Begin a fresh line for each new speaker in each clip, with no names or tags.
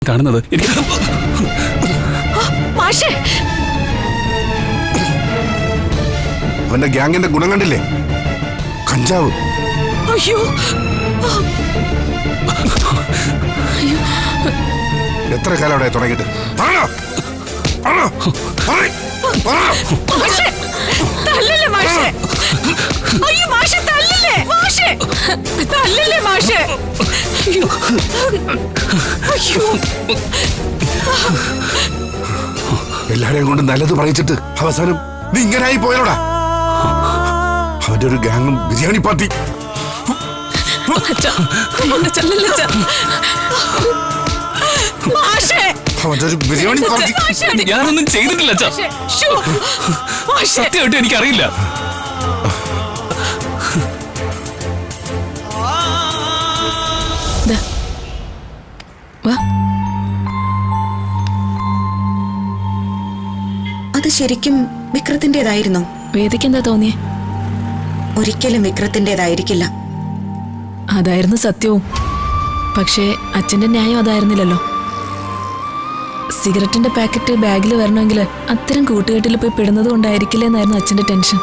കാണുന്നത്.
അവന്റെ ഗ്യാങ്ങിന്റെ ഗുണം കണ്ടില്ലേ? കഞ്ചാവ്.
അയ്യോ
എത്ര കാലം അവിടെ തുടങ്ങിയിട്ട്?
തല്ലല്ലേ മാഷേ? അയ്യോ മാഷേ തല്ലല്ലേ? മാഷേ തല്ലല്ലേ മാഷേ? അയ്യോ അയ്യോ
എല്ലാരെയും കൊണ്ട് നല്ലത് പറയിച്ചിട്ട് അവസാനം നീ ഇങ്ങനായി പോയലോടാ. അവന്റെ ഒരു ഗ്യാങ്ങും ബിരിയാണി പാർട്ടി. അവന്റെ ഒരു ബിരിയാണി പാർട്ടി.
ഞാനൊന്നും ചെയ്തിട്ടില്ല. സത്യമായിട്ട് എനിക്കറിയില്ല.
അത് ശരിക്കും വിക്രത്തിന്റേതായിരുന്നോ?
വേദിക്ക് എന്താ തോന്നിയേ?
ഒരിക്കലും വിക്രത്തിന്റേതായിരിക്കില്ല.
അതായിരുന്നു സത്യവും. പക്ഷേ അച്ഛന്റെ ന്യായം അതായിരുന്നില്ലല്ലോ. സിഗരറ്റിന്റെ പാക്കറ്റ് ബാഗിൽ വരണമെങ്കിൽ അത്തരം കൂട്ടുകെട്ടിൽ പോയി പെടുന്നത് കൊണ്ടായിരിക്കില്ല എന്നായിരുന്നു അച്ഛന്റെ ടെൻഷൻ.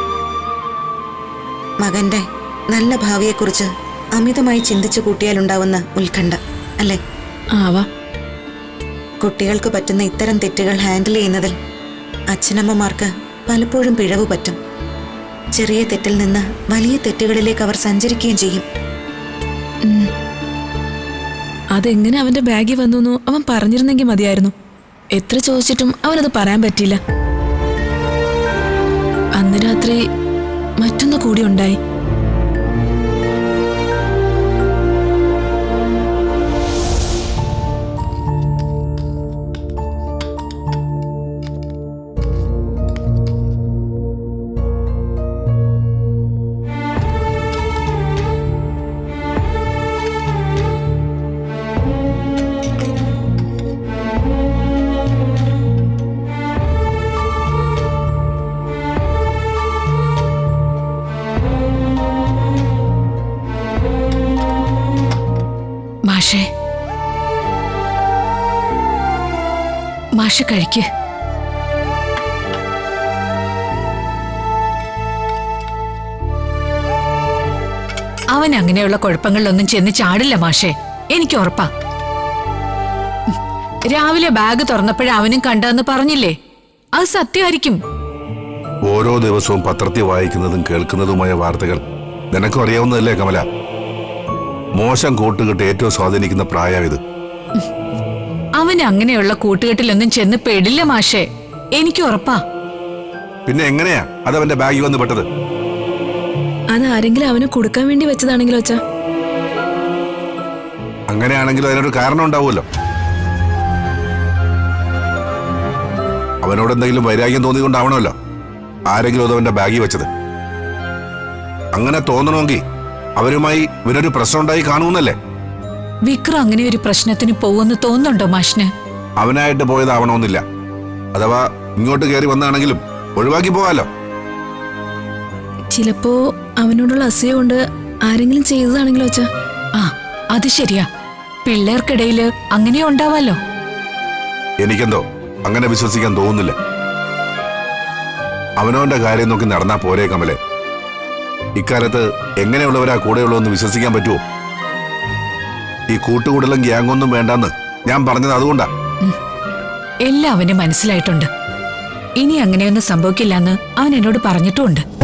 മകന്റെ നല്ല ഭാവിയെക്കുറിച്ച് അമിതമായി ചിന്തിച്ചു കൂട്ടിയാലുണ്ടാവുന്ന ഉത്കണ്ഠ അല്ലേ?
ആവാ.
കുട്ടികൾക്ക് പറ്റുന്ന ഇത്തരം തെറ്റുകൾ ഹാൻഡിൽ ചെയ്യുന്നതിൽ അച്ഛനമ്മമാർക്ക് പലപ്പോഴും പിഴവ് പറ്റും. ചെറിയ തെറ്റിൽ നിന്ന് വലിയ തെറ്റുകളിലേക്ക് അവർ സഞ്ചരിക്കുകയും ചെയ്യും.
അതെങ്ങനെ അവന്റെ ബാഗിൽ വന്നു അവൻ പറഞ്ഞിരുന്നെങ്കിൽ മതിയായിരുന്നു. എത്ര ചോദിച്ചിട്ടും അവനത് പറയാൻ പറ്റിയില്ല. അന്ന് രാത്രി മറ്റൊന്ന് കൂടി ഉണ്ടായി. മാഷ് കഴിക്ക്.
അവൻ അങ്ങനെയുള്ള കുഴപ്പങ്ങളിലൊന്നും ചെന്ന് ചാടില്ല മാഷേ, എനിക്ക് ഉറപ്പാ. രാവിലെ ബാഗ് തുറന്നപ്പോഴേ അവനും കണ്ടെന്ന് പറഞ്ഞില്ലേ, അത് സത്യമായിരിക്കും.
ഓരോ ദിവസവും പത്രത്തിൽ വായിക്കുന്നതും കേൾക്കുന്നതുമായ വാർത്തകൾ നിനക്കും അറിയാവുന്നതല്ലേ കമല? മോശം കൂട്ടുകെട്ട് ഏറ്റവും സ്വാധീനിക്കുന്ന പ്രായമിത്.
അവൻ അങ്ങനെയുള്ള കൂട്ടുകെട്ടിലൊന്നും ചെന്ന് പെടില്ല മാഷേ, എനിക്ക് ഉറപ്പാ.
പിന്നെ എങ്ങനെയാ അത് അവന്റെ ബാഗിൽ വന്ന് പെട്ടത്?
അത് ആരെങ്കിലും അവന് കൊടുക്കാൻ വേണ്ടി വെച്ചതാണെങ്കിലോ അച്ഛാ?
അങ്ങനെയാണെങ്കിലും അതിനൊരു കാരണം ഉണ്ടാവുമല്ലോ. അവനോട് എന്തെങ്കിലും വൈരാഗ്യം തോന്നിക്കൊണ്ടാവണമല്ലോ ആരെങ്കിലും അത് അവന്റെ ബാഗിൽ വെച്ചത്. അങ്ങനെ തോന്നണമെങ്കിൽ അവരുമായി ഇവനൊരു പ്രശ്നം ഉണ്ടായി കാണുമെന്നല്ലേ?
വിക്രം അങ്ങനെ ഒരു പ്രശ്നത്തിന് പോവെന്ന് തോന്നുന്നുണ്ടോ മാഷിന്?
അവനായിട്ട് പോയതാവണമെന്നില്ല. അഥവാ ഇങ്ങോട്ട് കയറി വന്നാണെങ്കിലും ഒഴിവാക്കി പോകാലോ.
ചിലപ്പോ അവനോടുള്ള അസൂയ കൊണ്ട് ആരെങ്കിലും ചെയ്തതാണെങ്കിലോ അച്ഛാ?
ആ, അത് ശരിയാ. പിള്ളേർക്കിടയില് അങ്ങനെ ഉണ്ടാവാലോ.
എനിക്കെന്തോ അങ്ങനെ വിശ്വസിക്കാൻ തോന്നുന്നില്ല. അവനവന്റെ കാര്യം നോക്കി നടന്നാ പോരേ കമലെ? ഇക്കാലത്ത് എങ്ങനെയുള്ളവരാ കൂടെയുള്ളൂ എന്ന് വിശ്വസിക്കാൻ പറ്റുമോ? ഈ കൂട്ടുകൂടലും ഗ്യാങ്ങൊന്നും വേണ്ടെന്ന് ഞാൻ പറഞ്ഞത് അതുകൊണ്ടാ.
എല്ലാം അവന് മനസ്സിലായിട്ടുണ്ട്. ഇനി അങ്ങനെയൊന്നും സംഭവിക്കില്ലെന്ന് അവൻ എന്നോട് പറഞ്ഞിട്ടുമുണ്ട്.